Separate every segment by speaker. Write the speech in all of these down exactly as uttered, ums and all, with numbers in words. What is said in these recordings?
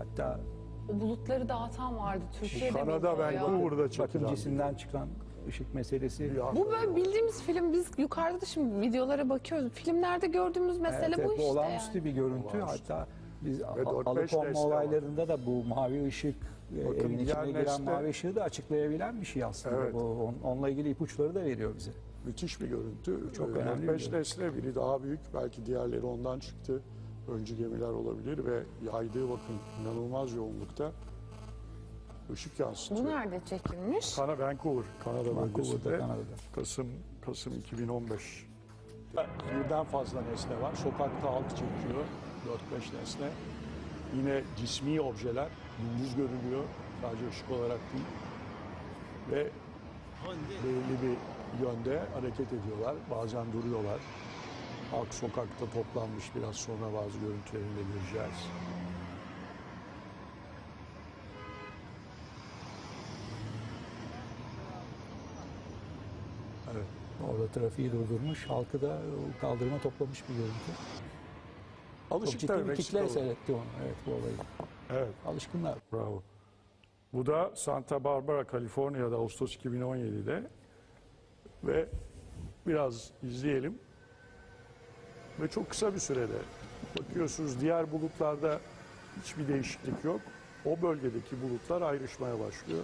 Speaker 1: Hatta
Speaker 2: O bulutları dağıtan vardı. Türkiye'de
Speaker 3: Kanada
Speaker 2: miydi o ya?
Speaker 3: Vancouver'da
Speaker 1: bakım
Speaker 3: çekilen.
Speaker 1: cisimden çıkan ışık meselesi.
Speaker 3: Ya.
Speaker 2: Bu böyle bildiğimiz film, biz yukarıda da şimdi videolara bakıyoruz. Filmlerde gördüğümüz mesele
Speaker 1: Evet,
Speaker 2: bu
Speaker 1: evet,
Speaker 2: işte
Speaker 1: olağanüstü
Speaker 2: yani.
Speaker 1: bir görüntü.
Speaker 3: Olağanüstü.
Speaker 1: Hatta biz
Speaker 3: Ve dört beş
Speaker 1: alıkonma
Speaker 3: nesne var.
Speaker 1: olaylarında da bu mavi ışık, e,
Speaker 3: Bakın
Speaker 1: evin
Speaker 3: diğer
Speaker 1: içine giren
Speaker 3: nesne-
Speaker 1: mavi ışığı da açıklayabilen bir şey aslında.
Speaker 3: Evet.
Speaker 1: Bu, on- onunla ilgili ipuçları da veriyor bize.
Speaker 3: Müthiş bir görüntü.
Speaker 1: Çok
Speaker 3: Ee,
Speaker 1: önemli bir
Speaker 3: dört beş
Speaker 1: görüntü.
Speaker 3: nesne, biri daha büyük. Belki diğerleri ondan çıktı. Öncü gemiler olabilir ve yaydığı bakın inanılmaz yoğunlukta ışık yansıtıyor.
Speaker 2: Bu nerede çekilmiş?
Speaker 3: Kana Vancouver, Kanada
Speaker 1: Vancouver'da,
Speaker 3: bölgesinde.
Speaker 1: Kanada'da.
Speaker 3: Kasım Kasım iki bin on beş. Birden fazla nesne var. Sokakta alt çekiyor. dört beş nesne. Yine cismi objeler. Gündüz görülüyor. Sadece ışık olarak değil. Ve belirli bir yönde hareket ediyorlar. Bazen duruyorlar. Halk sokakta toplanmış. Biraz sonra bazı görüntülerini de göreceğiz. Evet.
Speaker 1: Orada trafiği durdurmuş, halkı da o kaldırıma toplamış bir görüntü. Çok
Speaker 3: Alışık
Speaker 1: ciddi
Speaker 3: tabii
Speaker 1: bir
Speaker 3: Meksikalı.
Speaker 1: kitle seyretti onu, evet, bu olayı.
Speaker 3: Evet.
Speaker 1: Alışkınlar.
Speaker 3: Bravo. Bu da Santa Barbara, Kaliforniya'da Ağustos iki bin on yedi'de ve biraz izleyelim. Ve çok kısa bir sürede bakıyorsunuz diğer bulutlarda hiçbir değişiklik yok. O bölgedeki bulutlar ayrışmaya başlıyor.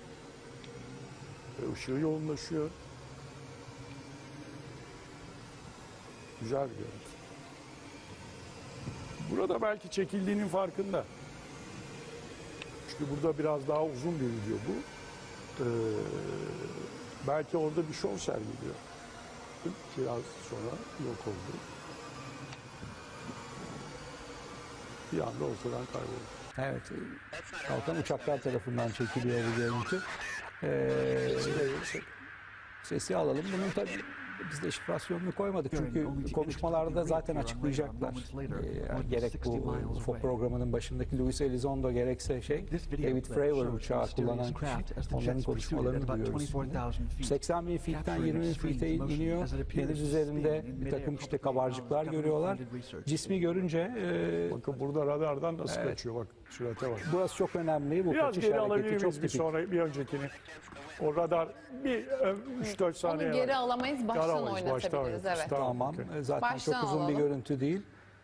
Speaker 3: Ve ışığı yoğunlaşıyor. Güzel bir görüntü. Burada belki çekildiğinin farkında. Çünkü burada biraz daha uzun bir video bu. Ee, belki orada bir şov sergiliyor. Biraz sonra yok oldu. Bir anda ortadan kayboldu.
Speaker 1: Evet, kalkan uçaklar tarafından çekiliyor bu görüntü. Ee, sesi alalım. Bunun tabii biz de şifrasyonunu koymadık çünkü konuşmalarda zaten açıklayacaklar. Ee, gerek bu U F O programının başındaki Luis Elizondo gerekse şey David Fravor uçağı kullanan kişi, onların konuşmalarını duyuyoruz. seksen bin feet'ten yirmi bin feet'e iniyor. Deniz üzerinde bir takım işte kabarcıklar görüyorlar. Cismi görünce e,
Speaker 3: Bakın burada radardan nasıl
Speaker 1: Evet.
Speaker 3: kaçıyor, bak sürate bak.
Speaker 1: burası çok önemli. Bu
Speaker 3: Biraz
Speaker 1: kaçış
Speaker 3: geri alabilir
Speaker 1: hareketi çok
Speaker 3: miyiz bir
Speaker 1: tipik.
Speaker 3: sonra, bir öncekini? O radar bir üç dört saniye
Speaker 2: Onu geri
Speaker 3: var.
Speaker 2: alamayız, baştan
Speaker 3: Alamayız, baştan
Speaker 2: oynatabiliriz.
Speaker 3: oynatırız.
Speaker 2: Evet.
Speaker 1: Tamam.
Speaker 3: okey.
Speaker 1: E, Zaten
Speaker 2: Baştan
Speaker 1: çok uzun bir
Speaker 2: alalım.
Speaker 1: görüntü değil.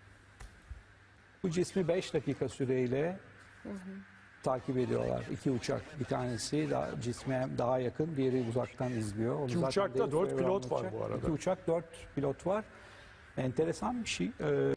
Speaker 1: Bu cismi beş dakika süreyle takip ediyorlar. İki uçak. Bir tanesi daha, cisme daha yakın, diğeri uzaktan izliyor. Onu
Speaker 3: İki
Speaker 1: zaten
Speaker 3: uçakta
Speaker 1: David
Speaker 3: dört
Speaker 1: Fravor
Speaker 3: pilot var
Speaker 1: anlatacak.
Speaker 3: bu arada.
Speaker 1: İki uçak, dört pilot var. Enteresan bir şey. Ee,